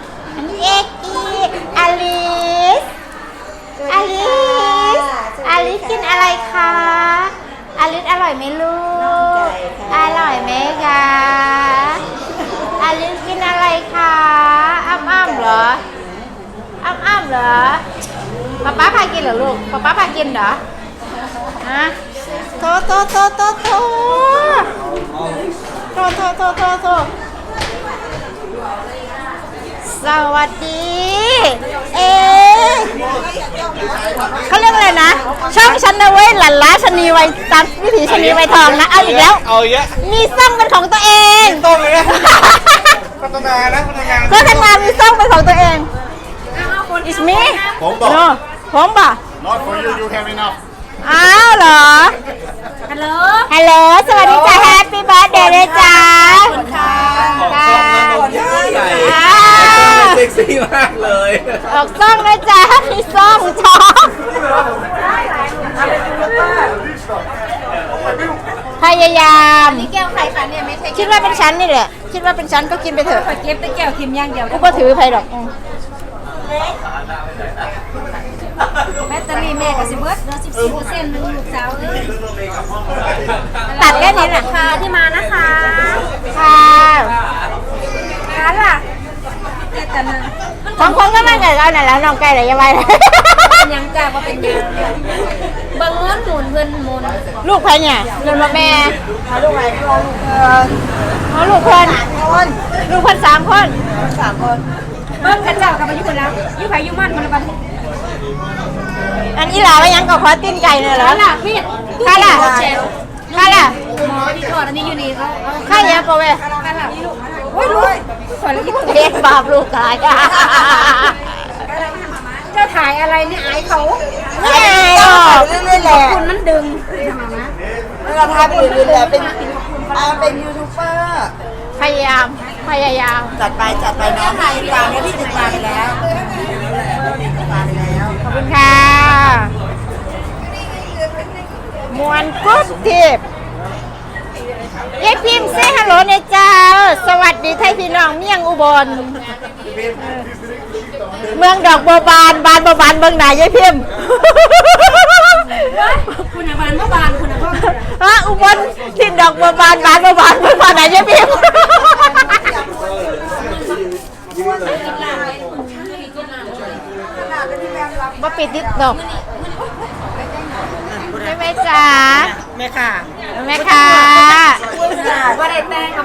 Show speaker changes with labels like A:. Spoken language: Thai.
A: อันนี้เอกอีอลิสอลิสอลิสกินอะไรคะอลิสอร่อยไหมลูกอร่อยไหมคะอลิสกินอะไรคะอ้ำเหรออ้ำเหรอป๊าพากินเหรอลูกป๊าพากินเหรอฮะโทสวัสดีเขาเรียกอะไรนะช่องฉันนะเว้ยหลั่นล้าชนีไวตามวิถีชนีไวทองนะเอาอีกแล้วมีซ่องเป็นของตัวเอง
B: ต้องเลยนะพัฒนา
A: มีซ่องเป็นของตัวเอง It's me
B: ผมบอก
A: no ผมบอก
B: Not for you you have enough
A: อ้าวเหรอฮัลโหลสวัสดีจ้าแฮปปี้เบิร์ธเดย์เลยจ้าค่ะ
C: เซ็กซี่มากเลย
A: ออกซ่องนะจ้ามีซ่องช็อกพยายาม
D: นี่แก้วใครคะเนี่ยไม่ใช่
A: คิดว่าเป็นชั้นนี่แหละคิดว่าเป็นชั้นก็กินไปเถอะ
D: เก็บแต่แก้วคิมย่างเดียว
A: กูก็ถือไปหรอก
D: แบตเตอรี่แม่กับสิเบิร์ดเหลือ14%นึงลูกสาวเลย
A: ตัดแค่นี้แหละ
D: ค่ะที่มานะคะ
A: ค่ะ
D: ร้านล่ะแต่นึง
A: ของคนก็มาเกิดเอาไหนแล้วน้องไก่ไหนยังไง
D: เป็นยังจ้าว่าเป็นยังเบิ่งเงินหมุนเงินหมุน
A: ลูกใครเนี่ยลูกแม่ลูกใครลูกคนลูกคน3 คน
D: เบิ่งกันเจ้ากับมาอยู่คนแล้วอยู่ไผอยู่มันคนละบัด
A: อันนี้หลาว่ายังก็ขอตีนไก่เนี่ยเหรอ
D: ล่ะพี่
A: ข้าล่ะ
D: หมอที่ทอดอันนี้อยู่นี่เขา
A: ข้าเยอะปะเว้ย
D: กันล่ะนี่ลูกโอ้ยลูกขอละอีกตัว
A: เด็กบาปลูกกาย
D: เจ้าถ่ายอะไรเนี่ยอายเขา
A: ไม่ไงหรอก
D: คุณมันดึง
E: เราทำอื่นๆแต่เป็นยูทูบเบอร์
A: พยายาม
E: จัดไปน้องติดตามแล้วพี่ติดตามไปแล้วติดตามไปแล้ว
A: ขอบคุณค่ะมวนกุ๊บทิพย์ยายพิมพ์เซ่ฮัลโหลเนี่ยจ้าสวัสดีไทยพี่น้องเมียงอุบลเมืองดอกบัวบานบัวบานเมืองไหนยายพิมพ์
D: คุณบานเมื่อบานคุณพ่อ
A: ฮะอุบลที่ดอกบัวบานบัวบานเมืองไหนยายพิมพ์มาปิดติดดอกใช่ไหมจ๊ะ
E: แม่ค่ะ
A: แม่ค่ะ
D: ว่าได้แต่ง